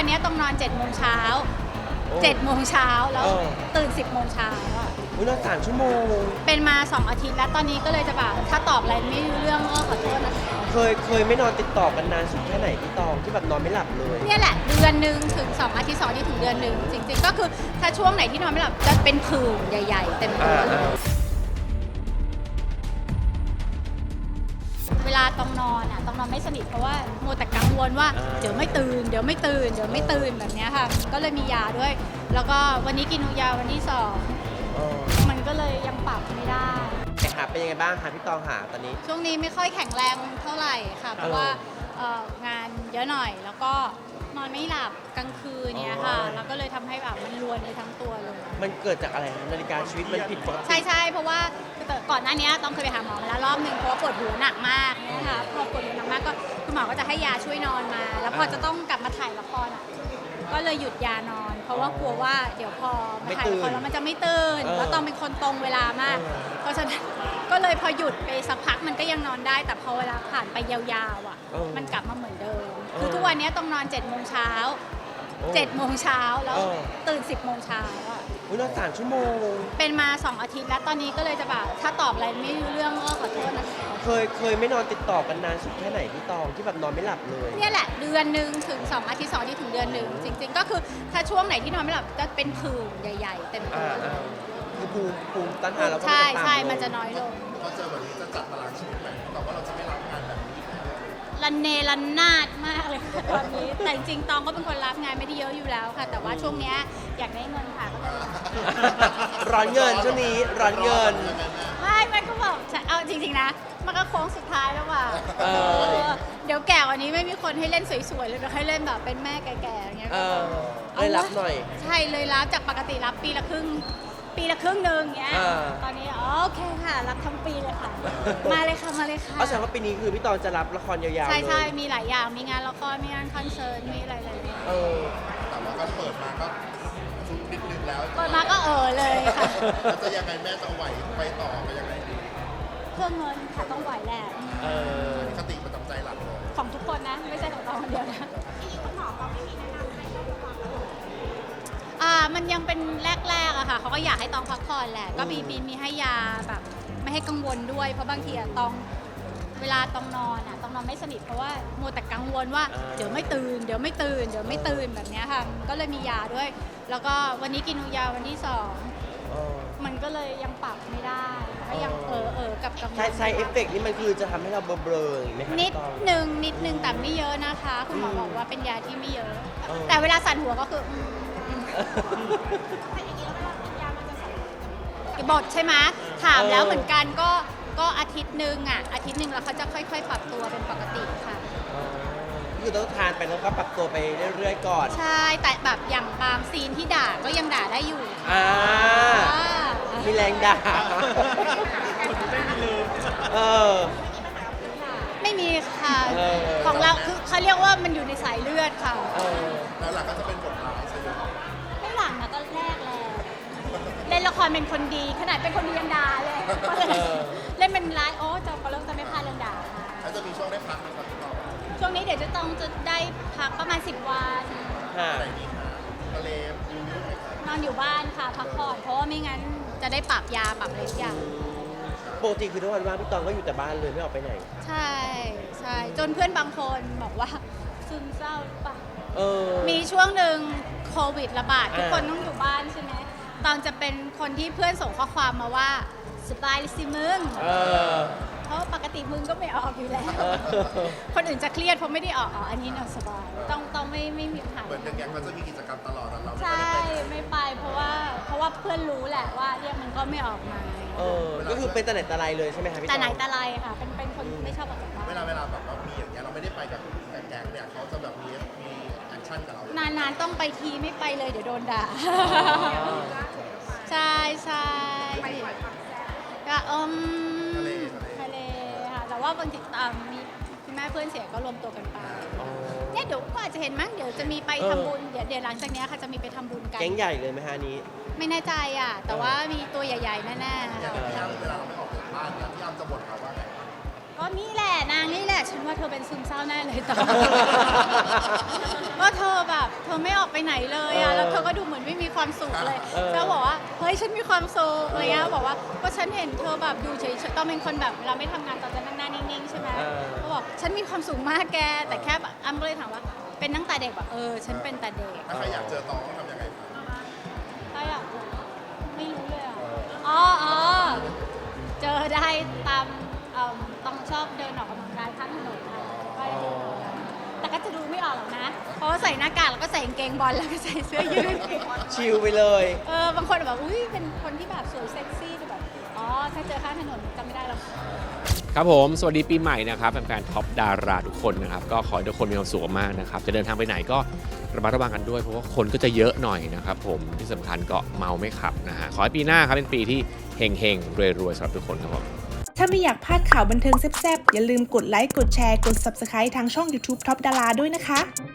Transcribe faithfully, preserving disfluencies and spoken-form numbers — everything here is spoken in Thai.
วันนี้ต้องนอนเจ็ดโมงเช้าเจ็ดโมงเช้าแล้วตื่นสิบโมงเช้าอ่ะอุ้ยนอนสามชั่วโมงเป็นมาสองอาทิตย์แล้วตอนนี้ก็เลยจะแบบถ้าตอบอะไรไม่รู้เรื่องก็ขอโทษนะคะเคยเคยไม่นอนติดต่อกันนานสุดแค่ไหนพี่ตองที่แบบนอนไม่หลับเลยเนี่ยแหละเดือนหนึ่งถึงสองอาทิตย์สองอาทิตย์ถึงเดือนหนึ่งจริงๆก็คือถ้าช่วงไหนที่นอนไม่หลับจะเป็นผื่นใหญ่ๆเต็มตัวเลยเวลาต้องนอนอ่ะต้องนอนไม่สนิทเพราะว่ามัวแต่กังวลว่าเดี๋ยวไม่ตื่นเดี๋ยวไม่ตื่นเดี๋ยวไม่ตื่นแบบนี้ค่ะก็เลยมียาด้วยแล้วก็วันนี้กินยาวันที่สองมันก็เลยยังปรับไม่ได้หาเป็นยังไงบ้างคะพี่ตองหาตอนนี้ช่วงนี้ไม่ค่อยแข็งแรงเท่าไหร่ค่ะเพราะว่างานเยอะหน่อยแล้วก็นอนไม่หลับกลางคืนเนี่ยค่ะแล้วก็เลยทำให้แบบมันรวนไปทั้งตัวเลยมันเกิดจากอะไรนาฬิกาชีวิตมันผิดปกติใช่ใช่เพราะว่าก่อนหน้านี้ต้องเคยไปหาหมอมาแล้วรอบหนึ่งเพราะว่าปวดหัวหนักมากเนี่ยค่ะพอปวดหัวหนักมากก็คุณหมอก็จะให้ยาช่วยนอนมา แล้วพอจะต้องกลับมาถ่ายละครอ่ะก็เลยหยุดยานอน เพราะว่ากลัวว่าเดี๋ยวพอมาถ่ายละครแล้วมันจะไม่ตื่นแล้วต้องเป็นคนตรงเวลามากเพราะฉะนั้นก็เลยพอหยุดไปสักพักมันก็ยังนอนได้แต่พอเวลาผ่านไปยาวๆอ่ะมันกลับมาเหมือนเดิมคือทุกวันนี้ต้องนอนเจ็ดโมงเช้าเจ็ดโมงเช้าแล้วตื่นสิบโมงเช้าอ่ะอุ้ยนอนสามชั่วโมงเป็นมาสองอาทิตย์แล้วตอนนี้ก็เลยจะแบบถ้าตอบอะไรไม่รู้เรื่องก็ขอโทษนะคะเคยเคยไม่นอนติดต่อกันนานสุดแค่ไหนพี่ตองที่แบบนอนไม่หลับเลยเนี่ยแหละเดือนหนึ่งถึงสองอาทิตย์สองอาทิตย์ถึงเดือนหนึ่งจริงๆก็คือถ้าช่วงไหนที่นอนไม่หลับจะเป็นผื่นใหญ่ๆเต็มตัวคือภูมิภูมิต้านทานเราก็ใช่ใช่มันจะน้อยลงพอเจอแบบนี้จะจัดตารางชีวิตใหม่แต่ว่าเราจะไม่รับงานแบบนี้รันเนรันนาดมากเลยค่ะตอนนี้แต่จริงๆตองก็เป็นคนรับงานไม่ได้เยอะอยู่แล้วค่ะแต่ว่าช่วงนี้อยากได้เงินค่ะก็เลยร้อนเงินช่วงนี้ร้อนเงินไม่ไม่ก็บอกเอาจริงๆนะมันก็โค้งสุดท้ายแล้วว่ะเดี๋ยวแก่กว่านี้ไม่มีคนให้เล่นสวยๆเลยเดี๋ยวให้เล่นแบบเป็นแม่แก่ๆอย่างเงี้ยเลยรับหน่อยใช่เลยรับจากปกติรับปีละครึ่งปีละครึ่งหนึ่งเงี้ยตอนนี้โอเคค่ะรับทั้งปีเลยค่ะมาเลยค่ะมาเลยค่ะเพราะฉะนั้นว่าปีนี้คือพี่ตองจะรับละครยาวๆใช่ใช่มีหลายอย่างมีงานละครมีงานคอนเสิร์ตมีอะไรเลยเออแต่ว่าก็เปิดมาก็ชุดนิดนึงแล้วเปิดมาก็เออเลยค่ะจะยังไงแม่จะไหวไปต่อไปยังไงดีเพื่อเงินค่ะต้องไหวแหละคติประจำใจหลักเลยของทุกคนนะไม่ใช่ของเราคนเดียวนะคุณหมอเขาไม่มีแนะนำให้อ่ามันยังเป็นแรกๆอะค่ะเขาก็อยากให้ตองพักผ่อนแหละก็มีมีมีให้ยาแบบไม่ให้กังวลด้วยเพราะบางทีอะตองเวลาตองนอนอะตองนอนไม่สนิทเพราะว่ามัวแต่กังวลว่าเดี๋ยวไม่ตื่นเดี๋ยวไม่ตื่นเดี๋ยวไม่ตื่นแบบนี้ค่ะก็เลยมียาด้วยแล้วก็วันนี้กินยาวันที่สองมันก็เลยยังปรับไม่ได้ก็ยังเออเออกับกังวลใช่ใช่เอฟเฟกต์นี่มันคือจะทำให้เราเบลอๆไหมคะนิดนึงนิดนึงแต่ไม่เยอะนะคะคุณหมอบอกว่าเป็นยาที่ไม่เยอะแต่เวลาสั่นหัวก็คือบทใช่ไหมถามแล้วเหมือนกันก็ก็อาทิตย์หนึ่งอ่ะอาทิตย์หนึ่งแล้วเขาจะค่อยๆปรับตัวเป็นปกติค่ะคือต้องทานไปแล้วก็ปรับตัวไปเรื่อยๆก่อนใช่แต่แบบอย่างบางซีนที่ด่าก็ยังด่าได้อยู่อ่ามีแรงด่าเออไม่มีค่ะของเราคือเขาเรียกว่ามันอยู่ในสายเลือดค่ะแล้วหลังก็จะเป็นบทร้ายใช่ไหมไม่หลังนะก็แรกแล้วเล่นละครเป็นคนดีขนาดเป็นคนดียังด่าเลยเล่นเป็นร้ายโอ้จะก็เริ่มจะไม่พลาดเรื่องด่าแล้วจะมีช่วงได้พักไหมครับพี่ตองช่วงนี้เดี๋ยวจะต้องจะได้พักประมาณสิบวันอะไรดีคะทะเลนอนอยู่บ้านค่ะพักผ่อนเพราะว่าไม่งั้นจะได้ปรับยาปรับอะไรทุกอย่างปกติคือทุกวันว่างพี่ตองก็อยู่แต่บ้านเลยไม่ออกไปไหนใช่ใช่จนเพื่อนบางคนบอกว่าซึมเศร้าหรือเปล่ามีช่วงหนึ่งโควิดระบาดทุกคนต้องอยู่บ้านใช่ไหมตอนจะเป็นคนที่เพื่อนส่งข้อความมาว่าสบายสิมึงเพราะปกติมึงก็ไม่ออกอยู่แล้วคนอื่นจะเครียดเพราะไม่ได้ออกอ๋ออันนี้เราสบายต้องต้องไม่ไม่มีปัญหาเหมือนอย่างมันจะมีกิจกรรมตลอดเราใช่ไม่ไปเพราะว่าเพราะว่าเพื่อนรู้แหละว่าเรียกมันก็ไม่ออกมาเออก็คือเป็นแต่ไหนแต่ไรเลยใช่ไหมคะพี่แต่ไหนแต่ไรค่ะเป็นเป็นคนไม่ชอบออกจากบ้านเวลาเวลาแบบว่ามีอย่างเงี้ยเราไม่ได้ไปกับแก๊งเนี่ยเขาจะแบบมีมีแอคชั่นกับเรานานๆต้องไปทีไม่ไปเลยเดี๋ยวโดนด่าใช่ใช่ก็อมทะเลค่ะแต่ว่าบางทีมีคุณแม่เพื่อนเสียก็รวมตัวกันไปเนี่ยเดี๋ยวก็อาจจะเห็นมั้งเดี๋ยวจะมีไปทำบุญเดี๋ยวเดี๋ยวหลังจากนี้ค่ะจะมีไปทำบุญกันแก๊งใหญ่เลยไหมฮะนี้ไม่แน่ใจอ่ะแต่ว่ามีตัวใหญ่ๆแน่ๆอย่างที่เวลาเราไม่ออกจากบ้านเนี่ยที่อ้ำจะบ่นเขาว่าไงก็นี่แหละนางนี่แหละฉันว่าเธอเป็นซึมเศร้าแน่เลยตอนว่าเธอแบบเธอไม่ออกไปไหนเลยอะแล้วเธอก็ดูเหมือนไม่มีความสุขเลยแล้วบอกว่าเฮ้ยฉันมีความสุขอะไรเงี้ยบอกว่าก็ฉันเห็นเธอแบบดูเฉยๆตอนเป็นคนแบบเราไม่ทำงานตอนจะนั่งหน้านิ่งๆใช่ไหมเขาบอกฉันมีความสุขมากแกแต่แค่แบบอ้ำก็เลยถามว่าเป็นตั้งแต่เด็กแบบเออฉันเป็นแต่เด็กถ้าใครอยากเจอตองต้องทำยังไงคะใช่อะไม่รู้เลยอ่ะอ๋ออ๋อเจอได้ตามเอิ่มต้องชอบเดินออกกำลังกายข้างถนนค่ะก็ได้เจอแต่ก็จะดูไม่ออกหรอกนะ เพราะว่าใส่หน้ากากแล้วก็ใส่กางเกงบอลแล้วก็ใส่เสื้อยืดชิลไปเลยเออบางคนแบบอุ้ยเป็นคนที่แบบสวยเซ็กซี่แต่แบบอ๋อถ้าเจอข้างถนนจำไม่ได้หรอกครับผมสวัสดีปีใหม่นะครับแฟนๆท็อปดาราทุกคนนะครับก็ขอให้ทุกคนมีความสุขมากนะครับจะเดินทางไปไหนก็ระมัดระวังกันด้วยเพราะว่าคนก็จะเยอะหน่อยนะครับผมที่สำคัญก็เมาไม่ขับนะฮะขอให้ปีหน้าครับเป็นปีที่เฮงๆรวยๆสำหรับทุกคนครับผมถ้าไม่อยากพลาดข่าวบันเทิงแซ่บๆอย่าลืมกดไลค์กดแชร์กด ซับสไครบ์ ทางช่อง ยูทูบ ท็อปดาราด้วยนะคะ